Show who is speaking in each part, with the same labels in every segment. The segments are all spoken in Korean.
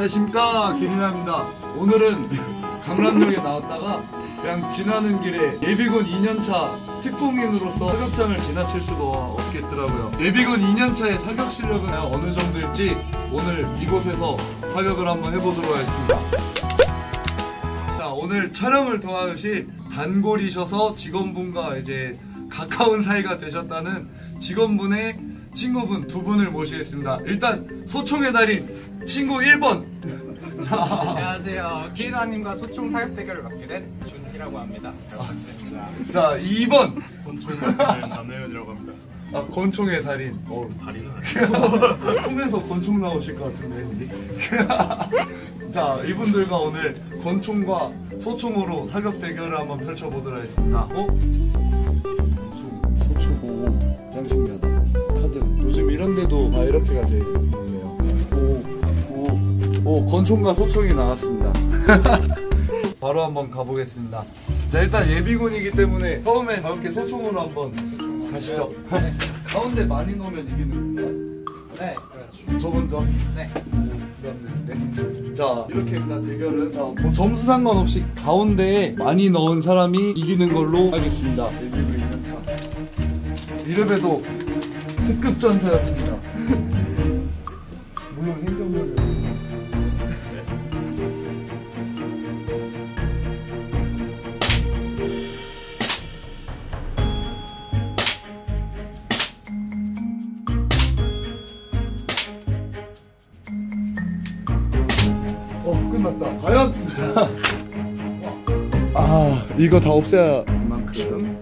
Speaker 1: 안녕하십니까, 기린아입니다. 오늘은 강남역에 나왔다가 그냥 지나는 길에 예비군 2년차 특공인으로서 사격장을 지나칠 수가 없겠더라고요. 예비군 2년차의 사격 실력은 어느 정도일지 오늘 이곳에서 사격을 한번 해보도록 하겠습니다. 자, 오늘 촬영을 도와주실 단골이셔서 직원분과 이제 가까운 사이가 되셨다는 직원분의 친구분 두 분을 모시겠습니다. 일단 소총의 달인 친구 1번.
Speaker 2: 안녕하세요. 기린아님과 소총 사격 대결을 맡게 된 준희라고 합니다. 잘 부탁드립니다.
Speaker 1: 자, 2번.
Speaker 3: 권총의 달인 남내면이라고 합니다.
Speaker 1: 아, 권총의 달인.
Speaker 3: 달인은 아니고
Speaker 1: 총에서 권총 나오실 것 같은데. 자, 이분들과 오늘 권총과 소총으로 사격 대결을 한번 펼쳐보도록 하겠습니다. 소총 보고 짱 신기하다. 카드. 요즘 이런 데도 다 이렇게가 되어 있네요. 오, 권총과 소총이 나왔습니다. 바로 한번 가보겠습니다. 자, 일단 예비군이기 때문에 처음엔 가볍게 소총으로 한번 가시죠. 네. 가운데 많이 넣으면 이기는 건가요?
Speaker 2: 네, 그렇죠.
Speaker 1: 저 먼저?
Speaker 2: 네.
Speaker 1: 부담되는데. 자, 이렇게입니다. 대결은. 자, 뭐 점수 상관없이 가운데에 많이 넣은 사람이 이기는 걸로 하겠습니다. 예비군 2년차. 이름에도 특급 전사였습니다. 물론 행정력은. 끝났다. 과연? 아, 이거 다 없애야 만큼.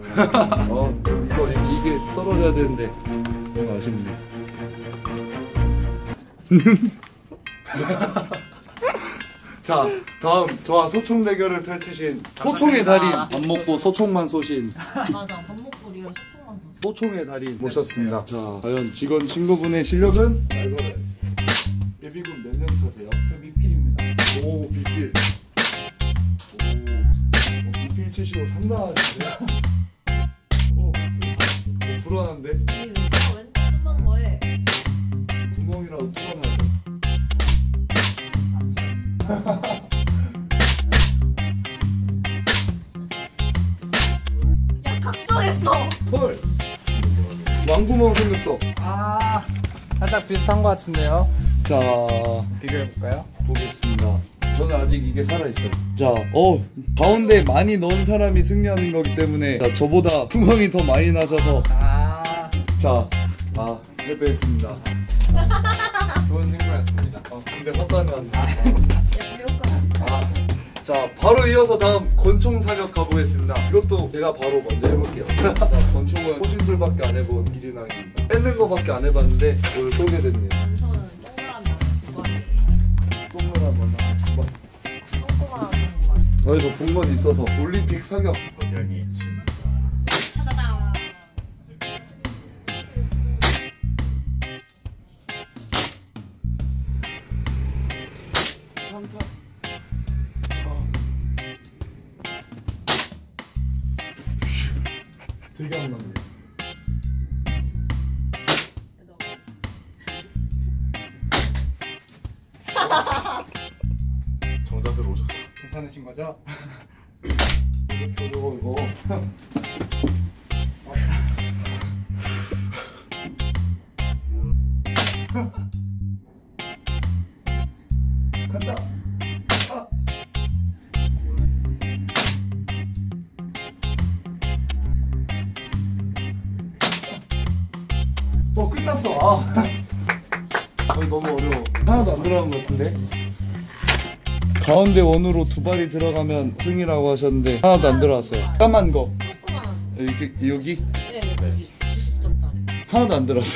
Speaker 1: 이게 떨어져야 되는데 너무 아쉽네. 자, 다음 저와 소총 대결을 펼치신 소총의 달인, 밥 먹고 소총만 쏘신
Speaker 4: 맞아, 밥 먹고 리얼 소통만 썼어.
Speaker 1: 소총의 달인 모셨습니다. 자, 과연 직원 친구분의 실력은? 알아야지. 예비군 몇 년 차세요?
Speaker 2: 저 미필입니다.
Speaker 1: 오, 미필. 미필 치시고 상당하신데? 불안한데?
Speaker 4: 이 왼쪽 좀만 더 해.
Speaker 1: 구멍이라도 뚫어놔야
Speaker 4: 야, 각성했어.
Speaker 1: 헐! 왕구멍 생겼어.
Speaker 2: 아, 살짝 비슷한 것 같은데요.
Speaker 1: 자,
Speaker 2: 비교해볼까요?
Speaker 1: 보겠습니다. 저는 아직 이게 살아있어요. 자, 가운데 많이 넣은 사람이 승리하는 거기 때문에 자, 저보다 구멍이 더 많이 나셔서 자, 패배했습니다.
Speaker 2: 좋은 친구였습니다.
Speaker 1: 근데 헛다는
Speaker 4: 야, 배울까?
Speaker 1: 자, 바로 이어서 다음 권총 사격 가보겠습니다. 이것도 제가 바로 먼저 해볼게요. 자, 권총은 호신술밖에 안 해본 기린왕입니다. 뺏는 거밖에 안 해봤는데 오늘 쏘게 됐네요.
Speaker 4: 왼손은 동그라미 두 번.
Speaker 1: 똥을 한번 두 번.
Speaker 4: 똥꼬만 두 번.
Speaker 1: 어디서 본 건 있어서 올림픽 사격.
Speaker 3: 석양이 진.
Speaker 4: 차다당.
Speaker 1: 산타. 되게 안 났네.
Speaker 3: 정자들 오셨어.
Speaker 2: 괜찮으신 거죠?
Speaker 1: 이거. 간다. 끝났어. 너무 어려워. 하나도 안 들어간 것 같은데. 가운데 원으로 두 발이 들어가면 승이라고 하셨는데 하나도 안 들어왔어요. 까만 거.
Speaker 4: 조그만.
Speaker 1: 여기?
Speaker 4: 네, 여기 90점짜리.
Speaker 1: 하나도 안 들어왔어.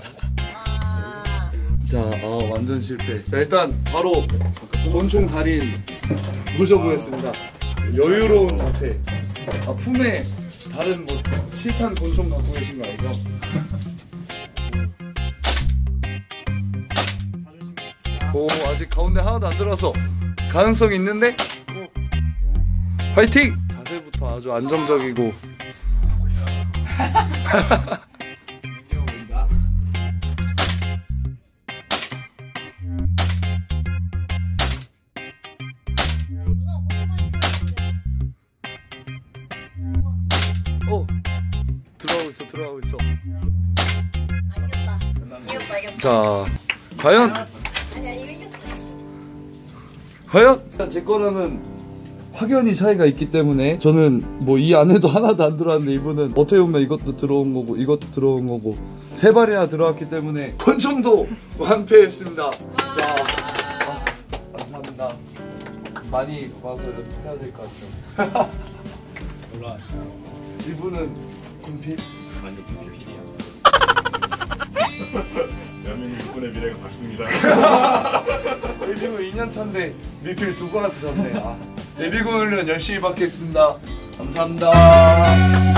Speaker 4: 아.
Speaker 1: 자, 완전 실패. 자, 일단 바로 권총 달인 모셔보겠습니다. 여유로운 자태. 품에 다른 뭐 실탄 권총 갖고 계신 거 아니죠? 아직 가운데 하나도 안 들어서 가능성이 있는데? 화이팅! 자세부터 아주 안정적이고. 들어가고 있어.
Speaker 4: 아, 이겼다.
Speaker 1: 자, 과연
Speaker 4: 아니야, 이거 이겼어.
Speaker 1: 과연 제 거랑은 확연히 차이가 있기 때문에 저는 뭐 이 안에도 하나도 안 들어왔는데 이분은 어떻게 보면 이것도 들어온 거고 이것도 들어온 거고 세 발이나 들어왔기 때문에 권총도 완패했습니다. 자, 감사합니다. 많이 와서 연습해야 될 것 같죠.
Speaker 3: 몰라.
Speaker 1: 이분은 군필?
Speaker 3: 아니 PPL이야. 대한민국 육군의 미래가 밝습니다.
Speaker 1: 예비군 2년 차인데 미필 2번나 드셨네. 예비군 훈련 열심히 받겠습니다. 감사합니다.